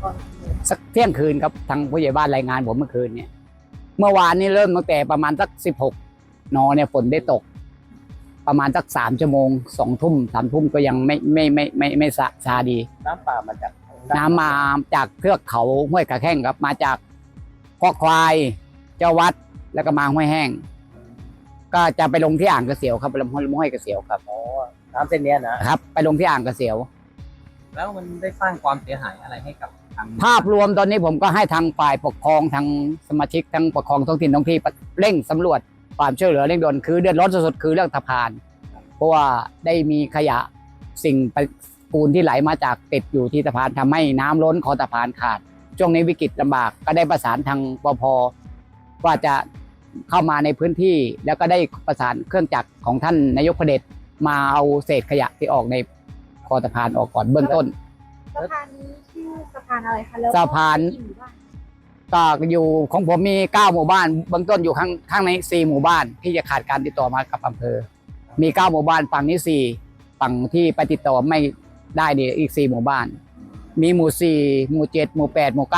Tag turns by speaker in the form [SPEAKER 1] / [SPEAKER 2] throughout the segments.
[SPEAKER 1] สักเที่ยงคืนครับทางผู้ใหญ่บ้านรายงานผมเมื่อคืนเนี่ยเมื่อวานนี้เริ่มตั้งแต่ประมาณสัก16 นเนี่ยฝนได้ตก ประมาณสัก3 ชั่วโมง2 ทุ่ม 3 ทุ่มก็ยังไม่ซาดี
[SPEAKER 2] น้ำป่ามาจาก
[SPEAKER 1] น้ำมาจากเทือกเขาห้วยขาแข้งครับมาจากคอกควายเจ้าวัดแล้วก็มาห้วยแห้ง ก็จะไปลงที่อ่างกระเสียวครับไปลงห้วยกระเสียวครับ
[SPEAKER 2] อ๋อน้ำเส้นเนี้ยนะครับ
[SPEAKER 1] ไปลงที่อ่างกระเสียว
[SPEAKER 2] แล้วมันได้สร้างความเสียหายอะไรให้กับทาง
[SPEAKER 1] ภาพรวมตอนนี้ผมก็ให้ทางฝ่ายปกครองทางสมาชิกทั้งปกครองท้องถิ่นท้องที่เร่งสำรวจความช่วยเหลือเร่งด่วนคือเดือดร้อนสุดๆคือเรื่องสะพานเพราะว่าได้มีขยะสิ่งปฏิกูลที่ไหลมาจากติดอยู่ที่สะพานทำให้น้ำล้นคอสะพานขาดช่วงนี้วิกฤตลำบากก็ได้ประสานทางปภว่าจะเข้ามาในพื้นที่แล้วก็ได้ประสานเครื่องจักรของท่านนายกเผด็จมาเอาเศษขยะที่ออกในคอสะพานออกก่อนเบื้องต้น
[SPEAKER 3] สะพานนี้ชื่อสะพานอะไรคะแล้ว
[SPEAKER 1] สะพาน
[SPEAKER 3] กี่หมู่บ้าน
[SPEAKER 1] ก็อยู่ของผมมี9 หมู่บ้านเบื้องต้นอยู่ข้างใน4 หมู่บ้านที่จะขาดการติดต่อมากับอำเภอมี9 หมู่บ้านฝั่งนี้4ฝั่งที่ไปติดต่อไม่ได้เนี่ยอีก4 หมู่บ้านมีหมู่4หมู่7หมู่8หมู่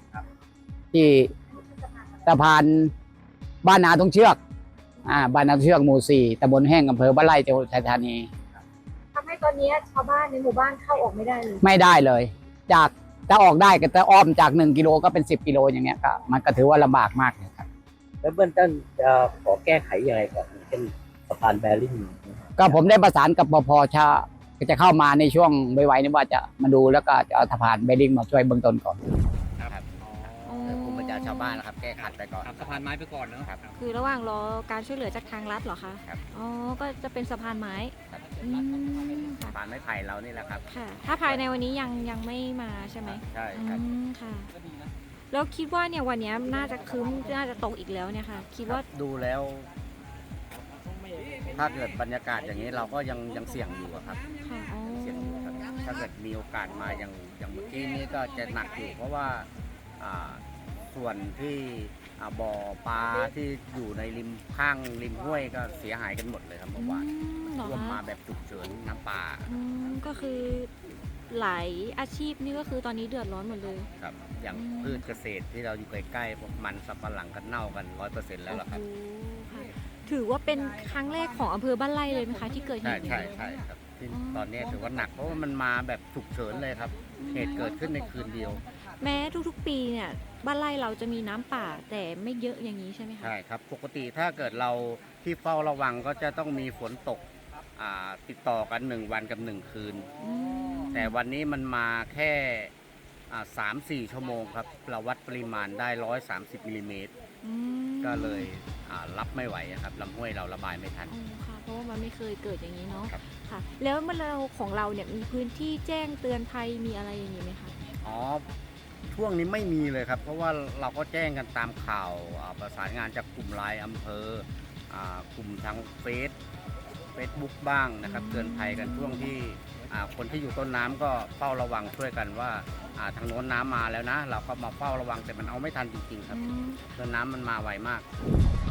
[SPEAKER 1] 9ที่สะพานบ้านนาตรงเชือกบ้านนาตรงเชือกหมู่4ตำบลแห้งอำเภอบ้านไร่จังหวัดอุทัยธานี
[SPEAKER 3] ทำให้ตอนนี้ชาวบ้านในหมู่บ้านเข้าออกไม่ได้เลย
[SPEAKER 1] ไม่ได้เลย จากจะออกได้ก็จะอ้อมจาก1 กิโลก็เป็น10 กิโลอย่างเงี้ยก็มันก็ถือว่าลำบากมากเลยครับ
[SPEAKER 2] แล้วเบื้องต้นจะขอแก้ไขยังไงก่อนเช่นสะพานแบริ่ง
[SPEAKER 1] ก็ผมได้ประสานกับปภชาจะเข้ามาในช่วงไวๆนี้ว่าจะมาดูแล้วก็จะเอาสะพานเบลลิงมาช่วยเบื้องต้นก่อนครับกลุ่มประชาชาวบ้านนะครับแก้ขัดไปก่อนสะพานไม้ไปก่อนเนาะครับ
[SPEAKER 4] คือระหว่างรอการช่วยเหลือจากทางรัฐเหรอคะ
[SPEAKER 1] ครับ
[SPEAKER 4] อ๋อ ก็จะเป็นสะพานไม้อืมค่ะ
[SPEAKER 1] สะพานไม้ไผ่เรานี่แหละครับ
[SPEAKER 4] ค่ะ ถ้าภายในวันนี้ยังไม่มาใช่ไหม
[SPEAKER 1] ใช่
[SPEAKER 4] อื
[SPEAKER 1] ครับ
[SPEAKER 4] มค่ะ แล้วคิดว่าเนี่ยวันนี้น่าจะครึ้มน่าจะตกอีกแล้วเนี่ยค่ะ คิดว่า
[SPEAKER 5] ดูแล้ว ถ้าเกิดบรรยากาศอย่างนี้เราก็ยังเสี่ยงอยู่อะครับ
[SPEAKER 4] ค่ะอ๋อ
[SPEAKER 5] เสี่ยงอยู่ครับถ้าเกิดมีโอกาสมาอย่างเมื่อกี้นี้ก็จะหนักอยู่ เพราะว่าส่วนที่บ่อปลาที่อยู่ในริมห้วยก็เสียหายกันหมดเลยครับเมื่อวาน
[SPEAKER 4] เหรอ
[SPEAKER 5] ท่วมมา
[SPEAKER 4] คะ
[SPEAKER 5] แบบฉุกเฉินน้ำป่า
[SPEAKER 4] ก็คือหลายอาชีพนี่ก็คือตอนนี้เดือดร้อนหมดเลย
[SPEAKER 5] ครับ อย่างพืชเกษตรที่เราอยู่ใกล้ๆพวกมันสำปะหลังกันเน่ากัน100%แล้วล่ะครับ
[SPEAKER 4] โอ้โหค่ะถือว่าเป็นครั้งแรกของอำเภอบ้านไร่เลยไหมคะที่เกิดเห
[SPEAKER 5] ใช่
[SPEAKER 4] ตุนี้
[SPEAKER 5] ใช่ครับที่ตอนนี้ถือว่าหนักเพราะว่ามันมาแบบฉุกเฉินเลยครับ เหตุเกิดขึ้นในคืนเดียว
[SPEAKER 4] แม้ทุกๆปีเนี่ยบ้านไร่เราจะมีน้ำป่าแต่ไม่เยอะอย่างนี้ใช่ไหมคะ
[SPEAKER 5] ใช่ครับปกติถ้าเกิดเราที่เฝ้าระวังก็จะต้องมีฝนตกติดต่อกัน1 วันกับ1 คืน
[SPEAKER 4] อืม
[SPEAKER 5] แต่วันนี้มันมาแค่3-4 ชั่วโมงครับเราวัดปริมาณได้130 มิลลิเมตร
[SPEAKER 4] อืม
[SPEAKER 5] ก็เลยรับไม่ไหวอะครับลำห้วยเราระบายไม่ทัน
[SPEAKER 4] อ๋อค่ะเพราะว่ามันไม่เคยเกิดอย่างนี้เนาะ
[SPEAKER 5] ครับ
[SPEAKER 4] ค่ะ แล้วเมื่อเราของเราเนี่ยมีพื้นที่แจ้งเตือนภัยมีอะไรอย่างนี้ไหมคะ
[SPEAKER 5] อ๋อช่วงนี้ไม่มีเลยครับ เพราะว่าเราก็แจ้งกันตามข่าวประสานงานจากกลุ่มไลน์อำเภอกลุ่มทางเฟซบุ๊กบ้างนะครับเตือนภัยกันช่วงที่คนที่อยู่ต้นน้ำก็เฝ้าระวังช่วยกันว่าทางโน้นน้ำมาแล้วนะ เราก็มาเฝ้าระวังแต่มันเอาไม่ทันจริงๆครับ
[SPEAKER 4] อืม
[SPEAKER 5] ต้นน้ำมันมาไวมาก
[SPEAKER 4] ค